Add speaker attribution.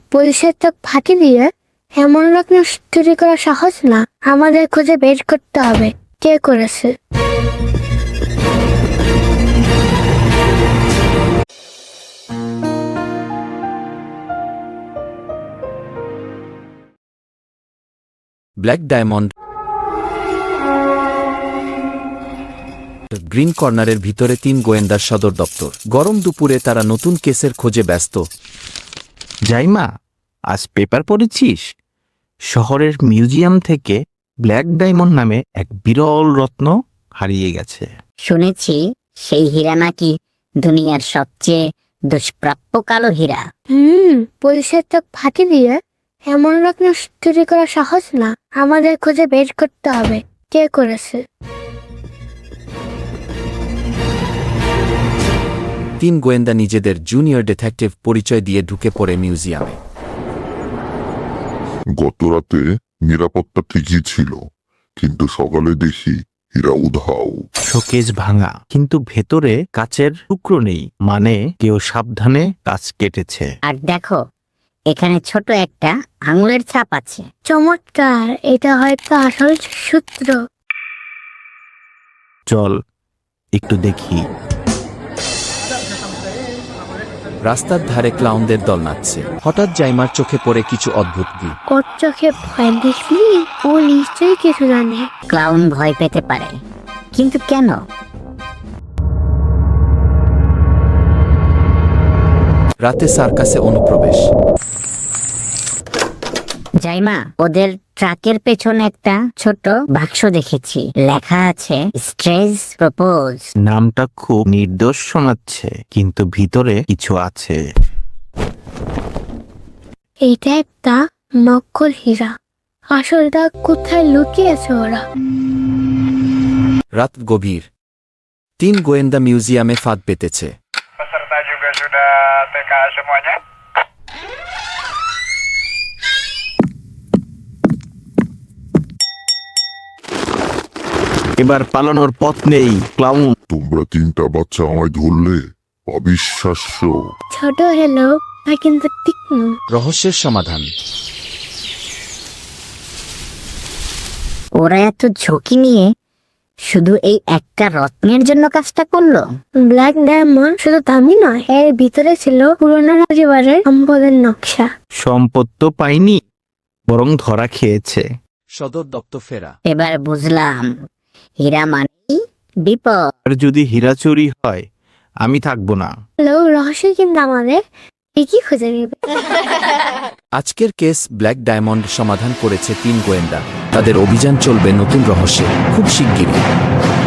Speaker 1: পুলিশের চোখ ফাঁকি দিয়ে এমন রত্ন চুরি করা সহজ না। আমাদের খুঁজে বের করতে হবে কে করেছে।
Speaker 2: ব্ল্যাক ডায়মন্ড গ্রিন কর্নারের ভিতরে 3 গোয়েন্দার সদর দপ্তর। গরম দুপুরে তারা নতুন কেসের খোঁজে ব্যস্ত।
Speaker 3: জাইমা, আজ পেপার পড়েছিস? শহরের মিউজিয়াম থেকে ব্ল্যাক ডায়মন্ড নামে এক বিরল রত্ন হারিয়ে গেছে।
Speaker 4: শুনেছি সেই হীরা নাকি দুনিয়ার সবচেয়ে দুষ্প্রাপ্য কালো হীরা।
Speaker 1: পুলিশের চোখ ফাঁকি দিয়ে এমন রত্ন চুরি করা সহজ না। আমাদের খুঁজে বের করতে হবে কে করেছে।
Speaker 2: 3 গোয়েন্দা নিজেদের জুনিয়র ডিটেকটিভ পরিচয় দিয়ে ঢুকে পড়ে মিউজিয়ামে।
Speaker 5: গতরাতে নিরাপত্তা ঠিকই ছিল, কিন্তু সকালে দেখি হীরা উধাও।
Speaker 3: শোকেজ ভাঙা, কিন্তু ভেতরে কাচের টুকরো নেই, মানে কেউ সাবধানে কাচ কেটেছে।
Speaker 4: আর দেখো, এখানে ছোট একটা আঙুলের ছাপ আছে।
Speaker 1: চমৎকার, এটা হয়তো আসল সূত্র।
Speaker 3: চল একটু দেখি।
Speaker 2: রাস্তার ধারে ক্লাউনদের দল নাচছে। হঠাৎ জাইমার চোখে পড়ে কিছু অদ্ভুত দিক।
Speaker 1: ওর চোখে ভয় দেখলি? ও নিশ্চয়ই কিছু জানে।
Speaker 4: ক্লাউন ভয় পেতে পারে, কিন্তু কেন?
Speaker 2: রাতে সার্কাসে অনুপ্রবেশ।
Speaker 4: জাইমা, ওদের ট্রাকের পেছনে একটা ছোট বাক্স দেখেছি, লেখা আছে স্ট্রেজ প্রপোজ।
Speaker 3: নামটা খুব নির্দোষ শোনাচ্ছে, কিন্তু ভিতরে কিছু আছে।
Speaker 1: এটা একটা নকল হীরা। আসলটা কোথায় লুকিয়েছে ওরা?
Speaker 2: রাত গভীর। 3 গোয়েন্দা মিউজিয়ামে ফাঁদ পেতেছে।
Speaker 6: Peserta juga sudah TK semuanya?
Speaker 3: এবার পালানোর পথ নেই। ক্লাউন,
Speaker 5: তোমরা 3টা বাচ্চা আমায় ধরলে? অবিশ্বাস্য।
Speaker 1: ছোট হলো না কিন্তু তীক্ষ্ণ।
Speaker 2: রহস্যের সমাধান।
Speaker 4: ওরা এত ঝুঁকি নিয়ে শুধু এই একটা রত্নের জন্য কাজটা করলো।
Speaker 1: ব্ল্যাক ডায়মন্ড শুধু দামি নয়, এর ভিতরে ছিল পুরোনো পরিবারের সম্পদের নকশা।
Speaker 3: সম্পদ তো পাইনি, বরং ধরা খেয়েছে।
Speaker 2: সদর দপ্তর ফেরা।
Speaker 4: এবার বুঝলাম, হীরা মানে বিপদ।
Speaker 3: আর যদি হীরা চুরি হয়, আমি থাকবো না।
Speaker 1: রহস্য কিন্তু আমাদের ঠিকই খুঁজে নেবে।
Speaker 2: আজকের কেস ব্ল্যাক ডায়মন্ড সমাধান করেছে 3 গোয়েন্দা। তাদের অভিযান চলবে নতুন রহস্যে খুব শিগগিরই।